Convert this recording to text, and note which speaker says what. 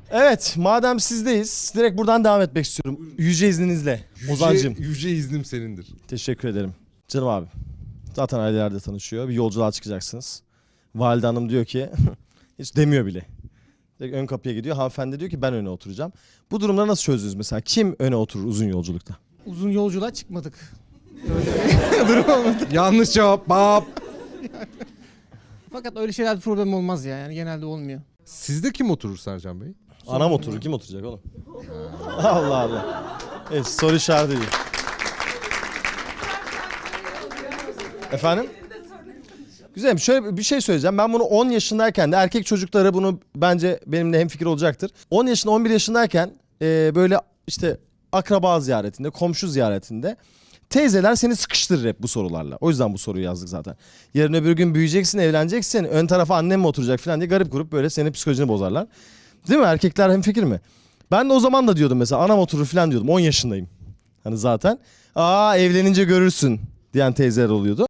Speaker 1: Evet, madem sizdeyiz, direkt buradan devam etmek istiyorum. Yüce izninizle, Ozan'cığım.
Speaker 2: Yüce iznim senindir.
Speaker 1: Teşekkür ederim. Canım abi, zaten ailelerde tanışıyor. Bir yolculuğa çıkacaksınız. Valide Hanım diyor ki, hiç demiyor bile. Direkt ön kapıya gidiyor. Hanımefendi diyor ki ben öne oturacağım. Bu durumları nasıl çözdünüz mesela? Kim öne oturur uzun yolculukta?
Speaker 3: Uzun yolculuğa çıkmadık. Öyle bir durum olmadı.
Speaker 2: Yanlış cevap. Bap.
Speaker 3: Fakat öyle şeyler bir problem olmaz ya. Yani genelde olmuyor.
Speaker 2: Sizde kim oturur Sercan Bey?
Speaker 1: Anam oturur. Kim oturacak oğlum? Allah Allah. Evet, soru işareti değil. Efendim? Güzel. Şöyle bir şey söyleyeceğim. Ben bunu 10 yaşındayken de erkek çocuklara bunu bence benimle hemfikir olacaktır. 10 yaşında 11 yaşındayken böyle işte akraba ziyaretinde, komşu ziyaretinde teyzeler seni sıkıştırır hep bu sorularla. O yüzden bu soruyu yazdık zaten. Yarın öbür gün büyüyeceksin, evleneceksin. Ön tarafa annem mi oturacak falan diye garip grup böyle senin psikolojini bozarlar. Değil mi? Erkekler hemfikir mi? Ben de o zaman da diyordum mesela anam oturur falan diyordum. 10 yaşındayım. Hani zaten. Aa evlenince görürsün diyen teyzeler oluyordu.